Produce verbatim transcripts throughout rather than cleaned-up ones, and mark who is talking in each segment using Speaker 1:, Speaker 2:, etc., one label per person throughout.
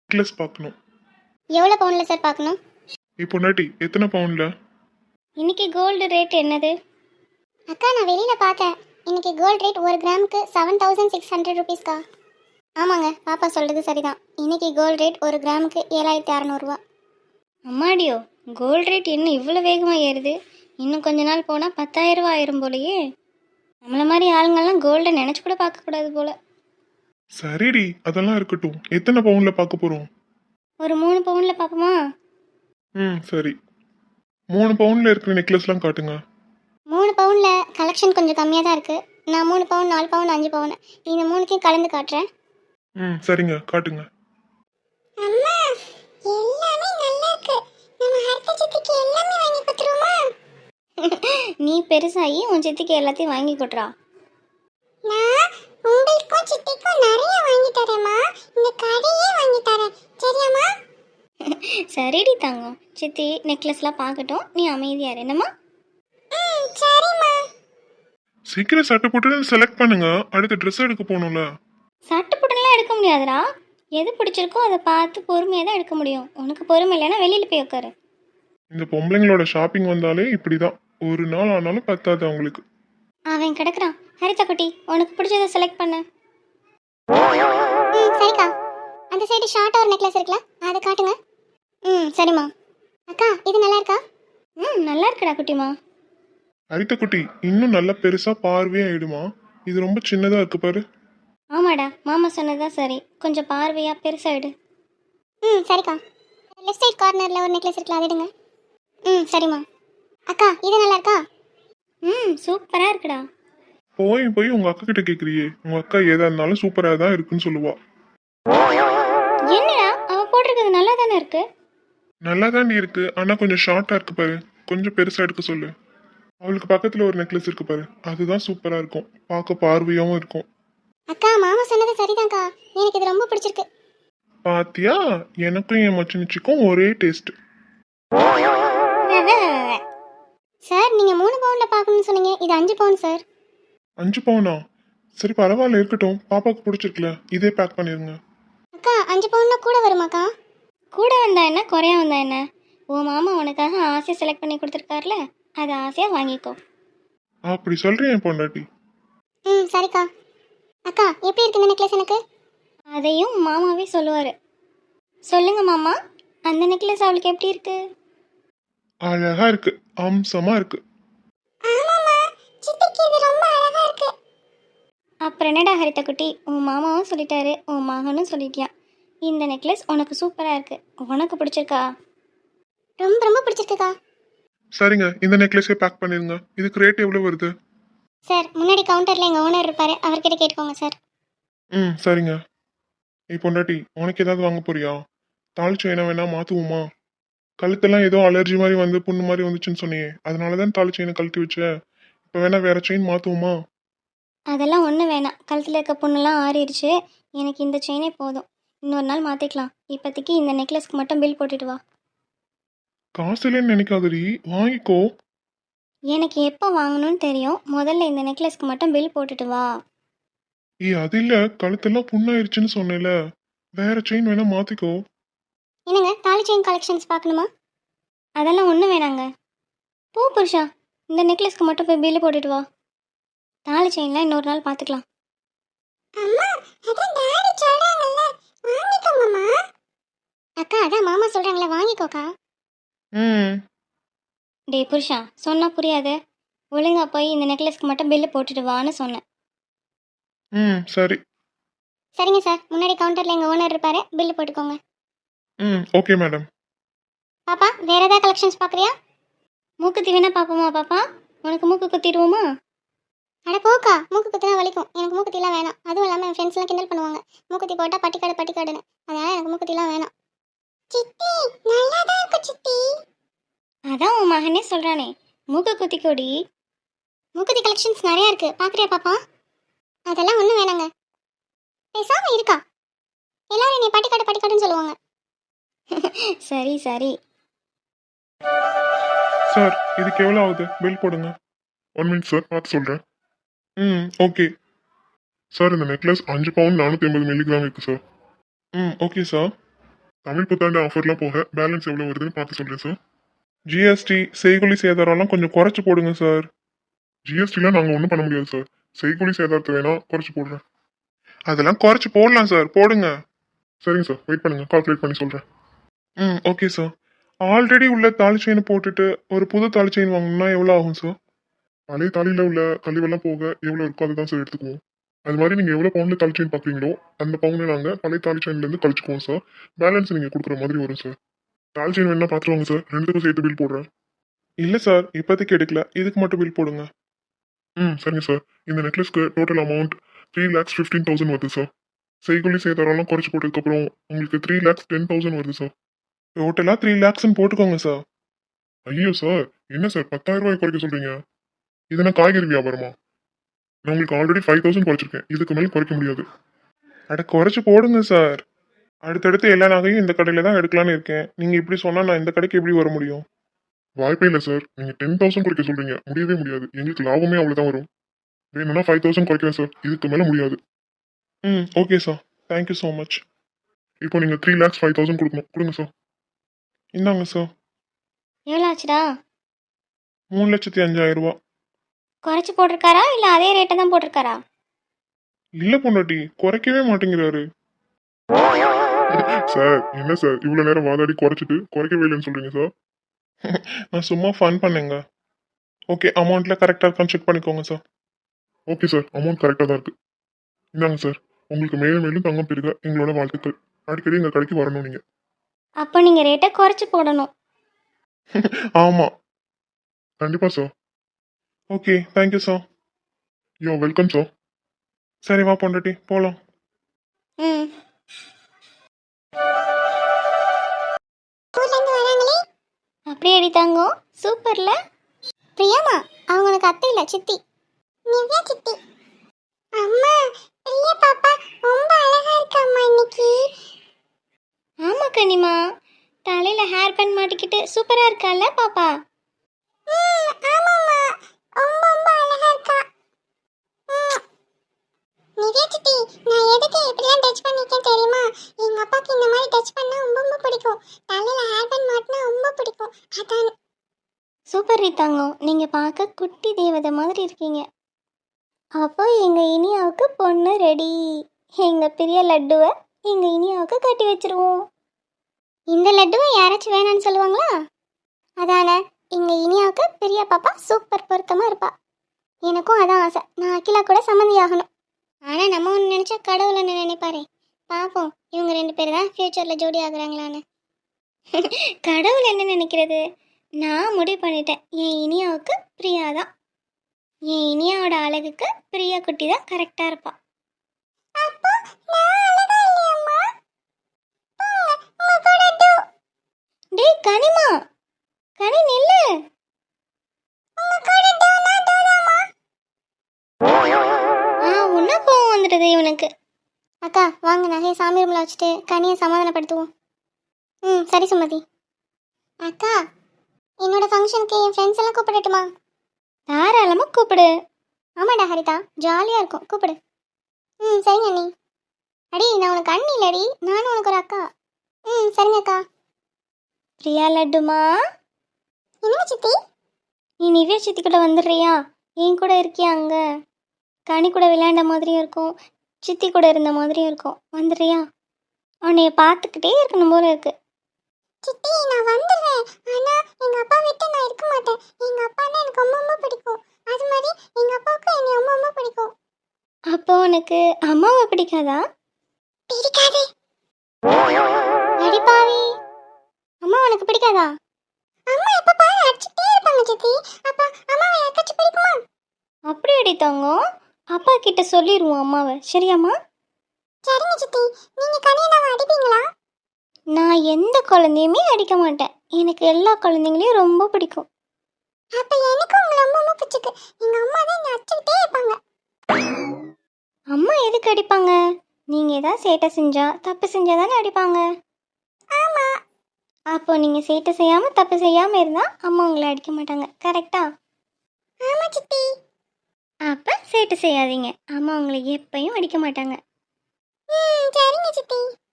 Speaker 1: Necklace பார்க்கணும்.
Speaker 2: எவ்வளோ பவுனில் சார் பார்க்கணும்?
Speaker 1: இப்போ நாட்டி எத்தனை பவுனில்?
Speaker 2: இன்னைக்கு கோல்டு ரேட் என்னது? அக்கா நான் வெளியில் பார்த்தேன். இன்னைக்கு கோல்டு ரேட் ஒரு கிராமுக்கு செவன் தௌசண்ட் சிக்ஸ் ஹண்ட்ரட் ருபீஸ்க்கா. ஆமாங்க, பாப்பா சொல்கிறது சரிதான். இன்னைக்கு கோல்டு ரேட் ஒரு கிராமுக்கு ஏழாயிரத்தி அறநூறுவா. அம்மாடியோ, கோல்டு ரேட் என்ன இவ்வளோ வேகமாக ஏறுது? இன்னும் கொஞ்ச நாள் போனால் பத்தாயிரம் ரூபா ஆயிரும் போலையே. நம்மள மாதிரி ஆளுங்கள்லாம் கோல்டை நினச்சி கூட பார்க்கக்கூடாது போல.
Speaker 1: சரிடி, அதெல்லாம் இருக்கட்டும். எத்தனை பவுனில் பார்க்க போகிறோம்?
Speaker 2: ஒரு மூணு பவுனில் பார்ப்போமா?
Speaker 1: ம் சரி. மூணு பவுனில் இருக்கிற நெக்லஸ்லாம் காட்டுங்க.
Speaker 2: மூணு பவுனில் கலெக்ஷன் கொஞ்சம் கம்மியாக தான் இருக்குது. நான் மூணு பவுன், நாலு பவுன், அஞ்சு பவுன் இந்த மூணுத்தையும் கலந்து காட்டுறேன்.
Speaker 1: ம் சரிங்க, காட்டுங்க.
Speaker 2: அம்மா, எல்லாமே நல்லா இருக்கு. நம்ம ஹர்த்த சித்திக்கு எல்லாமே வாங்கி கொடுத்துருமா? நீ பெருசாகி உன் சித்திக்கு எல்லாத்தையும் வாங்கி கொடுறா. நான் உங்களுக்கும் சித்திக்கும் நிறைய வாங்கி தரேம்மா. இந்த கடையே வாங்கி தரேன், சரியாம்மா? சரிடி தங்கம். சித்தி நெக்லஸ்லாம் பார்க்கட்டும், நீ அமைதியா இரு என்னம்மா. ம் சரிம்மா.
Speaker 1: சீக்கிரம் சட்டை போட்டு செலக்ட் பண்ணுங்க. அடுத்த ட்ரெஸ் எடுக்க போகணும்ல.
Speaker 2: சட்டை புடலாம் எடுக்க முடியாதுடா. எது பிடிச்சிருக்கோ அதை பார்த்து பொறுமையாக தான் எடுக்க முடியும். உனக்கு பொறுமை இல்லைன்னா வெளியில் போய் உட்காரு.
Speaker 1: இந்த பொம்பளைங்களோட ஷாப்பிங் வந்தாலே இப்படிதான். ஒரு நாள் ஆனாலும் பத்தாது அவங்களுக்கு.
Speaker 2: அவன் கிடக்குறான். ஹரிதா குட்டி, உனக்கு பிடிச்சதை செலக்ட் பண்ண. ம் சரிக்கா. அந்த சைடு ஷார்ட்டாக ஒரு நெக்லஸ் இருக்குல்ல, அதை காட்டுங்க. ம் சரிம்மா. அக்கா இது நல்லா இருக்கா? ம் நல்லா இருக்குடா குட்டிமா.
Speaker 1: அரித்த குட்டி, இன்னும் நல்லா பெருசா பார்வையா ஆயிடுமா? இது ரொம்ப சின்னதா இருக்கு பாரு.
Speaker 2: ஆமாடா, மாமா சொன்னதுதான் சரி. கொஞ்சம் பார்வையாக பெருசாகிடு. ம் சரிக்கா. லெஃப்ட் சைட் கார்னரில் ஒரு நெக்லஸ் இருக்குல்ல, அது எடுங்க. ம் சரிம்மா. அக்கா இது நல்லா இருக்கா? ம் சூப்பராக இருக்குடா.
Speaker 1: போய் போய் உங்க அக்கா கிட்ட கேக்குறியே. உங்க அக்கா ஏதா இருந்தாலும் சூப்பரா தான் இருக்குன்னு சொல்லுவா.
Speaker 2: என்னடா அவ போட்டிருக்கிறது நல்லா தானே இருக்கு?
Speaker 1: நல்லா தாண்டி இருக்கு, ஆனா கொஞ்சம் ஷார்ட்டா இருக்கு பாரு. கொஞ்சம் பெருசா எடுக்க சொல்லு. அவளுக்கு பக்கத்துல ஒரு நெக்லஸ் இருக்கு பாரு, அதுதான் சூப்பரா இருக்கும். பார்க்க பார்வையாவும் இருக்கும்.
Speaker 2: அக்கா மாமா சொன்னது சரிதான்க்கா. எனக்கு இது ரொம்ப பிடிச்சிருக்கு.
Speaker 1: பாத்தியா, எனக்கும் என் மச்சினிச்சிக்கும் ஒரே டேஸ்ட்.
Speaker 2: சார் நீங்க மூணு பவுன்ல பார்க்கணும்னு சொன்னீங்க. இது அஞ்சு பவுன் சார்.
Speaker 1: அஞ்சு பவுனா? சரி பரவாயில்ல, இருக்கட்டும். பாப்பாக்கு பிடிச்சிருக்குல, இதே பேக் பண்ணிருங்க.
Speaker 2: அக்கா அஞ்சு பவுன்னா கூட வருமாக்கா? கூட வந்தா என்ன, குறையா வந்தா என்ன? ஓ மாமா உனக்காக ஆசையாக செலக்ட் பண்ணி கொடுத்துருக்காருல, அதை ஆசையாக வாங்கிக்கோ.
Speaker 1: அப்படி சொல்றேன் என் பொண்டாட்டி.
Speaker 2: ம் சரிக்கா. அக்கா எப்படி இருக்கு இந்த நெக்லஸ் எனக்கு? அதையும் மாமாவே சொல்லுவார். சொல்லுங்க மாமா, அந்த நெக்லஸ் அவளுக்கு எப்படி இருக்கு?
Speaker 1: அழகா இருக்கு, அம்சமா இருக்கு.
Speaker 2: அப்புறம் என்னடா ஹரிதா குட்டி, உன் மாமாவும் சொல்லிட்டாரு, உன் மகனும் சொல்லிட்டியா. இந்த நெக்லஸ் உனக்கு சூப்பராக இருக்கு. உனக்கு பிடிச்சிருக்கா? ரொம்ப ரொம்ப பிடிச்சிருக்குக்கா.
Speaker 1: சரிங்க, இந்த நெக்லஸே பேக் பண்ணிருங்க. இதுக்கு ரேட் எவ்வளவு வருது?
Speaker 2: சார் முன்னாடி கவுண்டரில் எங்கள் ஓனர் இருப்பார், அவர்கிட்ட கேட்டுக்கோங்க சார்.
Speaker 1: ம் சரிங்க. நீ பொண்டாட்டி, உனக்கு ஏதாவது வாங்க போறியா? தாள் செயினா வேணா மாத்துவோமா? கழுத்தெல்லாம் ஏதோ அலர்ஜி மாதிரி வந்து புண்ணு மாதிரி வந்துச்சுன்னு சொன்னியே, அதனாலதான் தாள் செயினை கழட்டி வச்ச. இப்போ வேணா வேற செயின் மாத்துவோமா?
Speaker 2: அதெல்லாம் ஒன்றும் வேணாம். கழுத்தில் இருக்க பொண்ணெல்லாம் ஆறிடுச்சு. எனக்கு இந்த செயினே போதும். இன்னொரு நாள் மாற்றிக்கலாம். இப்போதைக்கு இந்த நெக்லஸ்க்கு மட்டும் பில் போட்டுட்டு வா.
Speaker 1: காசு இல்லைன்னு நினைக்காதடி, வாங்கிக்கோ.
Speaker 2: எனக்கு எப்போ வாங்கணும்னு தெரியும். முதல்ல இந்த நெக்லஸ்க்கு மட்டும் பில் போட்டுட்டு வா.
Speaker 1: ஏ அது இல்ல, கழுத்தெல்லாம் புண்ணாயிருச்சுன்னு சொன்னேல, வேற செயின் வேணா மாத்திக்கோ.
Speaker 2: என்னங்க தாலி செயின் கலெக்ஷன்ஸ் பார்க்கணுமா? அதெல்லாம் ஒன்றும் வேணாங்க. பூ புருஷா, இந்த நெக்லஸ்க்கு மட்டும் போய் பில்லு போட்டுட்டு வா. தாலி செயின்லாம் இன்னொரு நாள் பார்த்துக்கலாம். அக்கா அதான் மாமா சொல்கிறாங்களே, வாங்கிக்கோக்கா.
Speaker 1: ம்
Speaker 2: டே புருஷா, சொன்னா புரியாது. ஒழுங்கா போய் இந்த நெக்லஸ்க்கு மட்டும் பில்லு போட்டுட்டு வான்னு சொன்னேன்.
Speaker 1: ம் சரி.
Speaker 2: சரிங்க சார், முன்னாடி கவுண்டரில் எங்கள் ஓனர் இருப்பார், பில்லு போட்டுக்கோங்க.
Speaker 1: ம் ஓகே மேடம்.
Speaker 2: பாப்பா வேற ஏதாவது கலெக்ஷன்ஸ் பார்க்குறியா? மூக்குத்தி வேணா பார்ப்போமா பாப்பா? உனக்கு மூக்கு குத்திடுவோமா? அட போக்கா, மூக்கு குத்தினா வலிக்கும். எனக்கு மூக்குத்திலாம் வேணாம். அதுவும் இல்லாமல் என் ஃப்ரெண்ட்ஸ்லாம் கிண்டல் பண்ணுவாங்க, மூக்குத்தி போட்டால் பட்டிக்காடு பட்டிக்காடுன்னு. அதனால் எனக்கு மூக்குத்திலாம் வேணாம். சித்தி நல்லா தான் இருக்கு சித்தி. அதான் உன் மகனே சொல்கிறானே, மூக்கு குத்தி கொடி. மூக்குத்தி கலெக்ஷன்ஸ் நிறையா இருக்குது, பார்க்குறியா பாப்பா? அதெல்லாம் ஒன்றும் வேணாங்க. பேசாமல் இருக்கா, எல்லாரும் நீ பட்டிக்காடு பட்டிக்காடுன்னு சொல்லுவாங்க. சரி சரி.
Speaker 1: சார் இதுக்கு எவ்வளோ ஆகுது? பில் போடுங்க. ஒன் மினிட் சார், பார்த்து சொல்கிறேன். ம் ஓகே சார். இந்த நெக்லஸ் அஞ்சு பவுண்ட் நானூற்றி ஐம்பது மில்லிகிராம் இருக்கு சார். ம் ஓகே சார்.
Speaker 3: தமிழ் புத்தாண்டு ஆஃபர்லாம் போக பேலன்ஸ் எவ்வளோ வருதுன்னு பார்த்து சொல்கிறேன் சார்.
Speaker 1: ஜிஎஸ்டி செய்கூலி சேதாரம்லாம் கொஞ்சம் குறைச்சு போடுங்க சார்.
Speaker 3: ஜிஎஸ்டிலாம் நாங்கள் ஒன்றும் பண்ண முடியாது சார். செய்கூலி சேதாரத்தை வேணா குறைச்சி போடுறேன்.
Speaker 1: அதெல்லாம் குறைச்சு போடலாம் சார், போடுங்க.
Speaker 3: சரிங்க சார், வெயிட் பண்ணுங்க, கால்குலேட் பண்ணி சொல்கிறேன்.
Speaker 1: ம் ஓகே சார். ஆல்ரெடி உள்ள தாலி செயினை போட்டுட்டு ஒரு புது தாலி செயின் வாங்கணும்னா எவ்வளோ ஆகும் சார்?
Speaker 3: பழைய தாலியில் உள்ள கழிவெல்லாம் போக எவ்வளோ இருக்கோ அதுதான் சார் எடுத்துக்குவோம். அது மாதிரி நீங்கள் எவ்வளோ பவுண்டில் தாலி செயின் பார்க்குறீங்களோ அந்த பவுண்டை நாங்கள் பழைய தாலி செயின்லேருந்து கழிச்சுக்குவோம் சார். பேலன்ஸ் நீங்கள் கொடுக்குற மாதிரி வரும் சார். தாலி செயின் வேணா பார்த்துருவாங்க சார், ரெண்டுத்துக்கும் சேர்த்து பில் போடுறேன்.
Speaker 1: இல்லை சார், இப்போதைக்கு எடுக்கல, இதுக்கு மட்டும் பில் போடுங்க.
Speaker 3: ம் சரிங்க சார். இந்த நெக்லஸ்க்கு total amount three lakhs fifteen thousand வருது சார். செய்கூலி சேதாரம்லாம் குறைச்சி போட்டதுக்கப்புறம் உங்களுக்கு த்ரீ லேக்ஸ் டென் தௌசண்ட் வருது சார்.
Speaker 1: டோட்டலாக த்ரீ லேக்ஸ்ன்னு போட்டுக்கோங்க சார்.
Speaker 3: ஐயோ சார், என்ன சார் பத்தாயிரம் ரூபாய் குறைக்க சொல்கிறீங்க? இதுனா காய்கறி வியாபாரமா? நான் உங்களுக்கு ஆல்ரெடி ஃபைவ் தௌசண்ட் குறைச்சிருக்கேன், இதுக்கு மேலே குறைக்க முடியாது.
Speaker 1: அட குறைச்சு போடுங்க சார். அடுத்தடுத்து எல்லா நகையும் இந்த கடையில் தான் எடுக்கலான்னு இருக்கேன். நீங்கள் இப்படி சொன்னால் நான் இந்த கடைக்கு எப்படி வர முடியும்?
Speaker 3: வாய்ப்பே இல்லை சார். நீங்கள் டென் தௌசண்ட் குறைக்க சொல்கிறீங்க, முடியவே முடியாது. எங்களுக்கு லாபமே அவ்வளோதான் வரும். வேணும்னா ஃபைவ் தௌசண்ட் குறைக்கிறேன் சார், இதுக்கு மேலே முடியாது.
Speaker 1: ம் okay sir, thank you so much.
Speaker 3: இப்போ நீங்கள் த்ரீ லேக்ஸ் ஃபைவ் தௌசண்ட் கொடுக்கணும், கொடுங்க சார்.
Speaker 1: இந்தாங்க சார்.
Speaker 2: எவ்வளோ ஆச்சுடா?
Speaker 1: மூணு லட்சத்தி அஞ்சாயிரம் ரூபா.
Speaker 2: குறைச்சி போட்டிருக்காரா இல்லை அதே ரேட்டை தான் போட்டிருக்காரா?
Speaker 1: இல்லை பொண்டாட்டி, குறைக்கவே மாட்டேங்கிறாரு.
Speaker 3: சார் என்ன சார் இவ்வளோ நேரம் வாதாடி குறைச்சிட்டு குறைக்கவே இல்லைன்னு சொல்கிறீங்க சார்?
Speaker 1: நான் சும்மா ஃபன் பண்ணேங்க. ஓகே, அமௌண்ட்டில் கரெக்டாக இருக்கான்னு செக் பண்ணிக்கோங்க சார்.
Speaker 3: ஓகே சார், அமௌண்ட் கரெக்டாக தான் இருக்குது. இந்தாங்க சார், உங்களுக்கு மேலும் மேலும் தங்கம் பெருக எங்களோட வாழ்த்துக்கள். அடிக்கடி எங்கள் கடைக்கு வரணும் நீங்கள்.
Speaker 2: அப்போ நீங்கள் ரேட்டை குறைச்சி போடணும்.
Speaker 1: ஆமாம்.
Speaker 3: கண்டிப்பாக sir.
Speaker 1: Okay, thank you sir.
Speaker 3: You're welcome sir.
Speaker 1: சரி வா பொண்டாட்டி, போகலாம்.
Speaker 2: ம் அப்படியே அடித்தாங்க. சூப்பர்ல. பிரியாமா அவங்களுக்கு அத்தை இல்லை, சித்தி. நிவ்யா சித்தி. அம்மா பிரியா பாப்பா ரொம்ப அழகா இருக்காம்மா இன்னைக்கு. ஆமா கனிமா, தலையில ஹேர் பேண்ட் மாட்டிக்கிட்டு சூப்பரா இருக்கால பாப்பா. ஆமாம்மா, ரொம்ப ரொம்ப அழகா இருக்கா. நிவ்யா சித்தி, நான் எதுக்கு இப்படிலாம் டச் பண்ணிருக்கேன் தெரியுமா? எங்க அப்பாக்கு இந்த மாதிரி டச் பண்ணா ரொம்ப ரொம்ப பிடிக்கும். தலையில ஹேர் பேண்ட் மாட்டினா ரொம்ப பிடிக்கும், அதான். சூப்பர் ரீதாங்கோ, நீங்க பார்க்க குட்டி தேவதை மாதிரி இருக்கீங்க. அப்போ எங்க இனியாவுக்கு பொண்ணு ரெடி. எங்க பெரிய லட்டுவை எங்க இனியாவுக்கு கட்டி வச்சிருவோம். இந்த லட்டுவை யாராச்சும் வேணான்னு சொல்லுவாங்களா? அதானே, எங்க இனியாவுக்கு பெரிய பாப்பா சூப்பர் பொருத்தமா இருப்பா. எனக்கும் அதான் ஆசை, நான் அகிலா கூட சம்மந்தி ஆகணும். ஆனால் நம்ம ஒன்று நினச்சா கடவுளை நினைப்பாரே. பார்ப்போம் இவங்க ரெண்டு பேர் தான் ஃப்யூச்சரில் ஜோடி ஆகுறாங்களான்னு. கடவுள் என்ன நினைக்கிறது? நான் முடிவு பண்ணிட்டேன், என் இனியாவுக்கு பிரியா தான். என் இனியாவோட அழகுக்கு பிரியா குட்டி தான் கரெக்டாக இருப்பா. டேய் கனிமா, கனி நில்லு. ஆ உன்ன கோவம் வந்துடுது இவனுக்கு. அக்கா வாங்க, நகையை சாமி ரூமில் வச்சுட்டு கனியை சமாதானப்படுத்துவோம். ம் சரி சுமதி. அக்கா என்னோட ஃபங்க்ஷனுக்கு என் ஃப்ரெண்ட்ஸ் எல்லாம் கூப்பிடட்டுமா? தாராளமாக கூப்பிடு. ஆமாடா ஹரிதா, ஜாலியாக இருக்கும், கூப்பிடு. ம் சரிங்க அண்ணி. அடி நான் உனக்கு அண்ணி இல்லடி, நானும் உனக்கு ஒரு அக்கா. ம் சரிங்க அக்கா. பிரியா லட்டுமா. என்ன சித்தி? நீ நிவ்யா சித்தி கூட வந்துடுறியா? என் கூட இருக்கியா? அங்கே கனி கூட விளையாண்ட மாதிரியும் இருக்கும், சித்தி கூட இருந்த மாதிரியும் இருக்கும். வந்துடுறியா? உன்னைய பார்த்துக்கிட்டே இருக்கணும் போல இருக்கு. சித்தி நான் வந்துடுறேன், ஆனால் எங்கள் அப்பா விட்டு நான் இருக்க மாட்டேன். எங்கள் அப்பான்னா எனக்கு ரொம்ப ரொம்ப பிடிக்கும். அது மாதிரி எங்கள் அப்பாவுக்கு என்னை ரொம்ப ரொம்ப பிடிக்கும். அப்போ உனக்கு அம்மாவை பிடிக்காதா? பிடிக்காது. அடிப்பாவி, அம்மா உனக்கு பிடிக்காதா? அம்மா எப்ப பாரு அடிச்சிட்டே இருப்பாங்க சித்தி. அப்ப அம்மாவை யாருக்காச்சும் பிடிக்குமா? அப்படி அடித்தாங்க. அப்பா கிட்ட சொல்லிடுவோம் அம்மாவை, சரியாம்மா? சரிங்க சித்தி. நீங்க கனியனாவை அடிப்பீங்களா? நான் எந்த குழந்தையுமே அடிக்க மாட்டேன், எனக்கு எல்லா குழந்தைங்களையும் ரொம்ப பிடிக்கும். அப்ப எனக்கு உங்களை ரொம்ப ரொம்ப பிடிச்சிருக்கு. எங்க அம்மா தான் என்ன அடிச்சுக்கிட்டே இருப்பாங்க. அம்மா எதுக்கு அடிப்பாங்க? நீங்க ஏதாவது சேட்டை செஞ்சா தப்பு செஞ்சா தானே அடிப்பாங்க. ஆமா. அப்போ நீங்க சேட்டை செய்யாம தப்பு செய்யாம இருந்தா அம்மா உங்களை அடிக்க மாட்டாங்க, கரெக்டா? ஆமா சித்தி. அப்ப சேட்டை செய்யாதீங்க, அம்மா உங்களை எப்பயும் அடிக்க மாட்டாங்க. ம் சரிங்க சித்தி.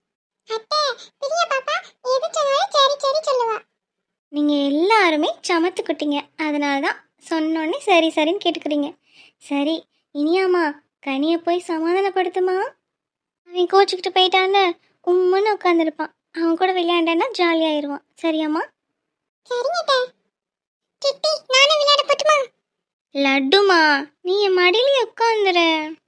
Speaker 2: அத்தை பிரியா பாப்பா எது சொன்னாலும் சரி சரி சொல்லுவா. நீங்க எல்லாருமே சமத்து குட்டிங்க, அதனால தான் சொன்னோன்னே சரி சரின்னு கேட்டுக்கிறீங்க. சரி இனியாமா கனியை போய் சமாதானப்படுத்துமா. அவன் கோச்சுக்கிட்டு போயிட்டான்ல, உம்முன்னு உட்காந்துருப்பான். அவன் கூட விளையாண்டேன்னா ஜாலியாயிருவான். சரியாம்மா? சரிங்க. கிட்டி நானும் விளையாட போட்டுமா? லட்டுமா நீ என் மடியிலே உட்காந்துரு.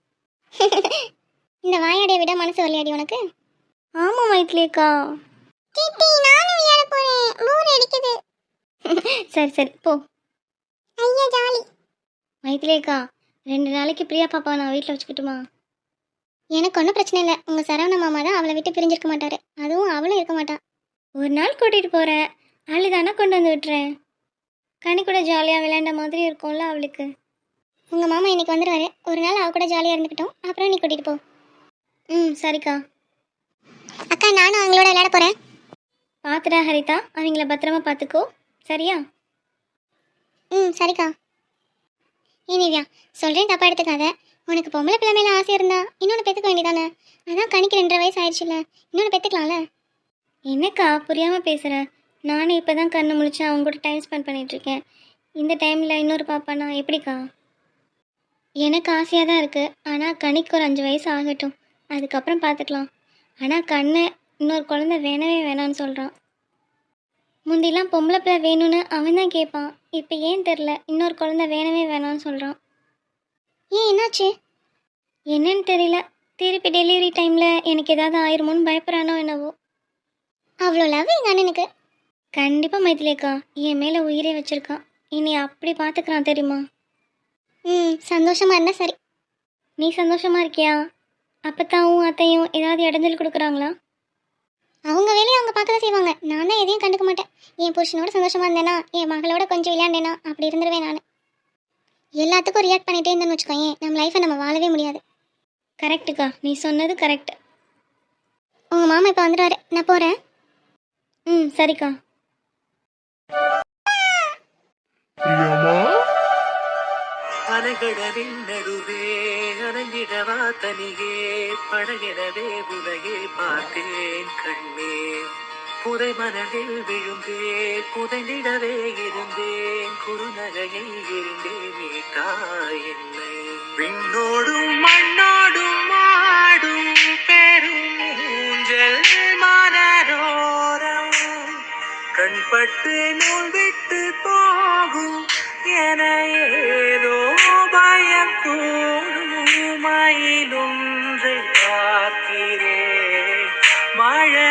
Speaker 2: இந்த வாயாடியை விட மனசு விளையாடி உனக்கு. ஆமா மைத்திலியக்கா. கிட்டி நானும் விளையாட போறேன், போர் அடிக்குது. சரி சரி போ. ஐயா ஜாலி. மைத்திலியக்கா ரெண்டு நாளைக்கு பிரியா பாப்பா நான் வீட்டில் வச்சுக்கிட்டுமா? எனக்கு ஒன்றும் பிரச்சனை இல்லை. உங்கள் சரவண மாமா தான் அவளை விட்டு பிரிஞ்சிருக்க மாட்டாரு, அதுவும் அவளும் இருக்க மாட்டான். ஒரு நாள் கூட்டிகிட்டு போகிறேன், அழுதானா கொண்டு வந்து விட்டுறேன். கனி கூட ஜாலியாக விளையாண்ட மாதிரி இருக்கும்ல அவளுக்கு. உங்கள் மாமா இன்னைக்கு வந்துடுவாரு, ஒரு நாள் அவ கூட ஜாலியாக இருந்துக்கிட்டோம், அப்புறம் நீ கூட்டிகிட்டு போ. ம் சரிக்கா. அக்கா நானும் அவங்களோட விளையாட போகிறேன். பார்த்துடா ஹரிதா, அவங்கள பத்திரமா பார்த்துக்கோ சரியா? ம் சரிக்கா. ஏ நிவ்யா சொல்கிறேன் தப்பா எடுத்துக்காத. உனக்கு பொம்பளை பிள்ளை மேலே ஆசை இருந்தா இன்னொன்று பெற்றுக்க வேண்டியதானே? அதான் கணிக்கு ரெண்டரை வயசு ஆயிடுச்சுல்ல, இன்னொன்று பெற்றுக்கலாம்ல. என்னக்கா புரியாமல் பேசுகிற? நானும் இப்போ தான் கண்ணு முழிச்சு அவங்க கூட டைம் ஸ்பெண்ட் பண்ணிகிட்ருக்கேன். இந்த டைமில் இன்னொரு பாப்பானா எப்படிக்கா? எனக்கு ஆசையாக தான் இருக்குது, ஆனால் கணிக்கு ஒரு அஞ்சு வயசு ஆகட்டும், அதுக்கப்புறம் பார்த்துக்கலாம். ஆனால் கண்ணை இன்னொரு குழந்தை வேணவே வேணான்னு சொல்கிறான். முந்திலாம் பொம்பளை பிள்ளை வேணும்னு அவன் தான் கேட்பான், இப்போ ஏன் தெரில இன்னொரு குழந்தை வேணவே வேணான்னு சொல்கிறான். ஏன் என்னாச்சு? என்னன்னு தெரியல, திருப்பி டெலிவரி டைமில் எனக்கு ஏதாவது ஆயிருமோன்னு பயப்படுறானோ என்னவோ. அவ்வளோ லவ் எங்கள் அண்ணனுக்கு. கண்டிப்பாக மைத்திலியக்கா என் மேலே உயிரே வச்சுருக்கான், இனி அப்படி பார்த்துக்கிறான் தெரியுமா? ம் சந்தோஷமாக இருந்தால் சரி. நீ சந்தோஷமாக இருக்கியா? அப்பத்தாவும் அத்தையும் ஏதாவது இடைஞ்சல் கொடுக்குறாங்களா? அவங்க வேலையை அவங்க பார்க்க தான் செய்வாங்க, நான் தான் எதையும் கண்டுக்க மாட்டேன். என் புருஷனோட சந்தோஷமாக இருந்தேனா, என் மகளோட கொஞ்சம் விளையாண்டேனா அப்படி இருந்துருவேன் நான். எல்லாத்துக்கும் ரியாக்ட் பண்ணிகிட்டே இருந்தேன்னு வச்சுக்கோங்க, நம்ம லைஃப்பை நம்ம வாழவே முடியாது. கரெக்டுக்கா, நீ சொன்னது கரெக்ட். உங்கள் மாமா இப்போ வந்துடுவாரு, நான் போகிறேன். ம் சரிக்கா.
Speaker 3: பிரியாமா
Speaker 4: அலைகடலின் நடுவே அலைஞ்சிடவா தனியே படகிடவே உலகே பார்த்தேன் கண்ணே. புதை மணலில் விழுந்தே புதைந்திடவே இருந்தேன் குறுநகையை இருந்தே மீட்டா என்னை. விண்ணோடும் மண்ணோடும் ஆடும் பெரும் ஊஞ்சல் மனரோரம் கண்பட்டு நூல் விட்டு போகும் என ஏதோ பயம் கூடும் மயிலொன்றை பார்க்கிறேன் மழை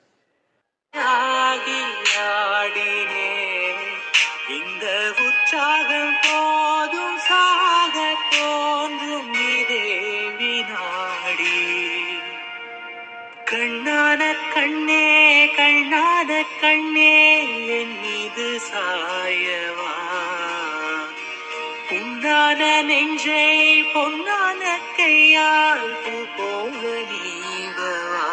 Speaker 4: ஆகி ஆடினேன். இந்த உற்சாகம் போதும் சாக தோன்றும் இதே வினாடி. கண்ணான கண்ணே கண்ணான கண்ணே என் மீது சாயவா. பொன்னான நெஞ்சை பொன்னான கையால் பூ போல நீவவா.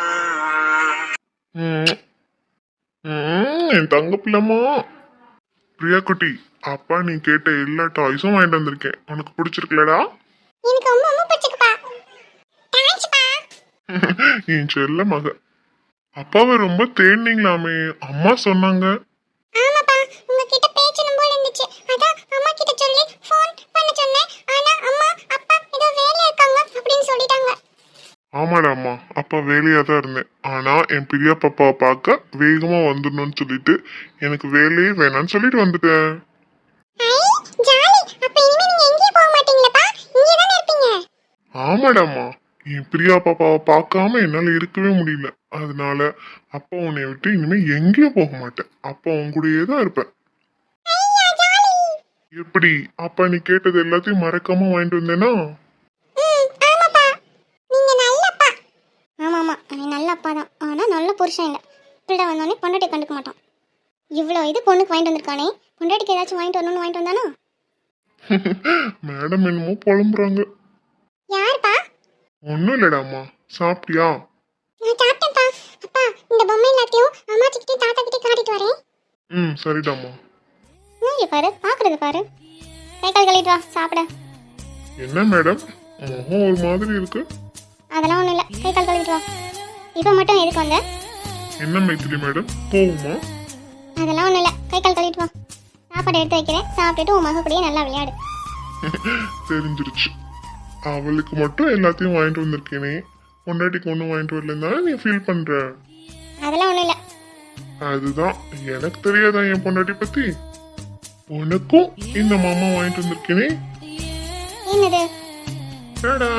Speaker 3: ம், ம், என் தங்க பிள்ளைமா பிரியா குட்டி, அப்பா நீ கேட்ட எல்லா டாய்ஸும் வாங்கிட்டு வந்திருக்கேன், உனக்கு பிடிச்சிருக்கலடா?
Speaker 2: எனக்கு ரொம்ப ரொம்ப பிடிச்சிருக்குப்பா. தேங்க்ஸ்ப்பா.
Speaker 3: என் செல்ல மக, அப்பாவை ரொம்ப தேடினீங்களாமே, அம்மா சொன்னாங்க.
Speaker 2: ஆமாப்பா, உங்ககிட்ட பேசணும் போல இருந்துச்சு, அதான் அம்மா கிட்ட சொல்லி ஃபோன் பண்ண சொன்னேன். ஆனா அம்மா அப்பா ஏதோ வேலையா இருக்காங்க அப்படின்னு சொல்லிட்டாங்க.
Speaker 3: ஆமாடா அம்மா, அப்பா வேலையா தான் இருந்தேன், ஆனா என் பிரியா பாப்பாவை பார்க்க வேகமா வந்துடணும்னு சொல்லிட்டு எனக்கு வேலையே வேணாம்னு சொல்லிட்டு வந்துட்டேன்.
Speaker 2: ஐ ஜாலி. அப்ப இனிமே நீங்க எங்கேயும் போக மாட்டீங்களப்பா, இங்கே தானே இருப்பீங்க.
Speaker 3: ஆமாடா அம்மா, என் பிரியா பாப்பாவை பார்க்காம என்னால இருக்கவே முடியல, அதனால அப்பா உன்னை விட்டு இனிமே எங்கேயும் போக மாட்டேன், அப்பா உன் கூடயே தான் இருப்பேன்.
Speaker 2: ஐயா ஜாலி.
Speaker 3: எப்படி அப்பா நீ கேட்டது எல்லாத்தையும் மறக்காம வாங்கிட்டு வந்தேனா?
Speaker 2: ம் ஆமாப்பா, நீங்க நல்ல அப்பா. ஆமா ஆமா, அவன் நல்ல அப்பா தான், ஆனா நல்ல புருஷன் இல்லை. பிள்ளை வந்தோடனே பொண்டாட்டி கண்டுக்க மாட்டான். இவ்வளோ இது பொண்ணுக்கு வாங்கிட்டு வந்திருக்கானே, பொண்டாட்டிக்கு ஏதாச்சும் வாங்கிட்டு வரணும்னு வாங்கிட்டு வந்தானா?
Speaker 3: மேடம் என்னமோ புலம்புறாங்க.
Speaker 2: யாருப்பா?
Speaker 3: ஒன்றும் இல்லடா அம்மா, சாப்பிட்டியா?
Speaker 2: நான் சாப்பிட்டேன்ப்பா. அப்பா இந்த பொம்மை எல்லாத்தையும் அம்மாச்சிக்கிட்டே தாத்தா கிட்டே காட்டிட்டு வரேன்.
Speaker 3: ம் சரிடாம்மா.
Speaker 2: இங்கே பாரு, பார்க்கறது பாரு. கை கால் கழுவிட்டு வா சாப்பிட.
Speaker 3: என்ன மேடம் முகம் ஒரு மாதிரி இருக்கு?
Speaker 2: அதெல்லாம் ஒன்றும் இல்லை, கை கால் கழுவிட்டு வா. இப்போ மட்டும் எதுக்கு வந்த?
Speaker 3: என்ன மைத்திலி மேடம், போகுமா?
Speaker 2: அதெல்லாம் ஒன்றும் இல்லை, கை கால் கழுவிட்டு வா. சாப்பாடு எடுத்து வைக்கிறேன், சாப்பிட்டுட்டு உன் மக கூடயே நல்லா விளையாடு.
Speaker 3: தெரிஞ்சிருச்சு. அவளுக்கு மட்டும் எல்லாத்தையும் வாங்கிட்டு வந்திருக்கேனே, பொண்டாட்டிக்கு ஒன்றும் வாங்கிட்டு வரலன்னா நீ ஃபீல் பண்ற.
Speaker 2: அதெல்லாம் ஒன்றும் இல்லை.
Speaker 3: அதுதான் எனக்கு தெரியாதா என் பொண்டாட்டி பத்தி? உனக்கும் இந்த மாமா வாங்கிட்டு வந்திருக்கேனே.
Speaker 2: என்னது?
Speaker 3: டடா.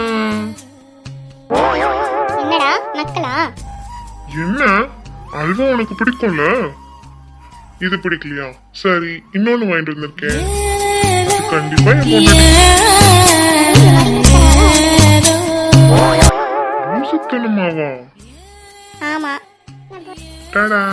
Speaker 2: என்னடா நக்கலா?
Speaker 3: என்ன, அல்வா உனக்கு பிடிக்கும்ல? இது பிடிக்கலையா? சரி, இன்னொன்னு வாங்கிட்டு வந்திருக்கேன். அது கண்டிப்பா என் பொண்டாட்டி சுத்தனமாவா?
Speaker 2: ஆமா.
Speaker 3: டடா.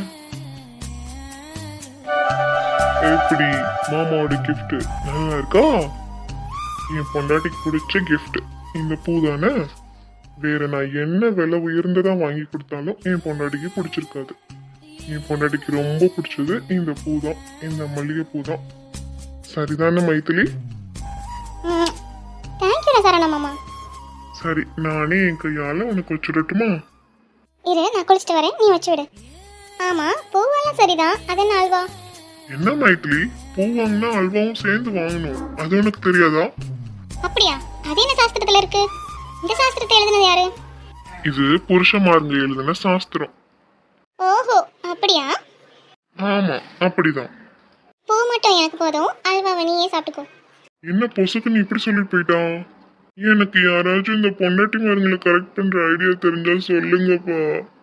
Speaker 3: எப்படி மாமாவோட gift நல்லா இருக்கா? என் பொண்டாட்டிக்கு பிடிச்ச gift இந்த பூ தானே. வேற நான் என்ன விலை உயர்ந்ததா வாங்கி கொடுத்தாலும் என் பொண்டாட்டிக்கு பிடிச்சிருக்காது. என் பொண்டாட்டிக்கு ரொம்ப பிடிச்சது இந்த பூ தான், இந்த மல்லிகை பூ தான். சரிதானே மைத்திலி?
Speaker 2: ம் தேங்க்யூடா சரணா மாமா.
Speaker 3: சரி, நானே என் கையால உனக்கு வச்சுடட்டுமா?
Speaker 2: இரு, நான் குளிச்சுட்டு வரேன், நீ வச்சு விடு. ஆமா, பூவெல்லாம் சரிதான், அது என்ன அல்வா?
Speaker 3: என்ன மைத்திலி, பூ வாங்கினா அல்வாவும் சேர்ந்து வாங்கணும், அது உனக்கு தெரியாதா?
Speaker 2: அப்படியா? அது என்ன சாஸ்திரத்துல இருக்கு? இந்த சாஸ்திரத்தை எழுதுனது யாரு?
Speaker 3: இது புருஷமாருங்க எழுதின சாஸ்திரம்.
Speaker 2: ஓஹோ, அப்படியா?
Speaker 3: ஆமா, அப்படிதான்.
Speaker 2: பூ மட்டும் எனக்கு போதும், அல்வாவை நீயே சாப்பிட்டுக்கோ.
Speaker 3: என்ன பொசுக்கு நீ இப்படி சொல்லி போயிட்டா? எனக்கு யாராச்சும் இந்த பொண்டாட்டி மாருங்களை கரெக்ட் பண்ற ஐடியா தெரிஞ்சா சொல்லுங்கப்பா.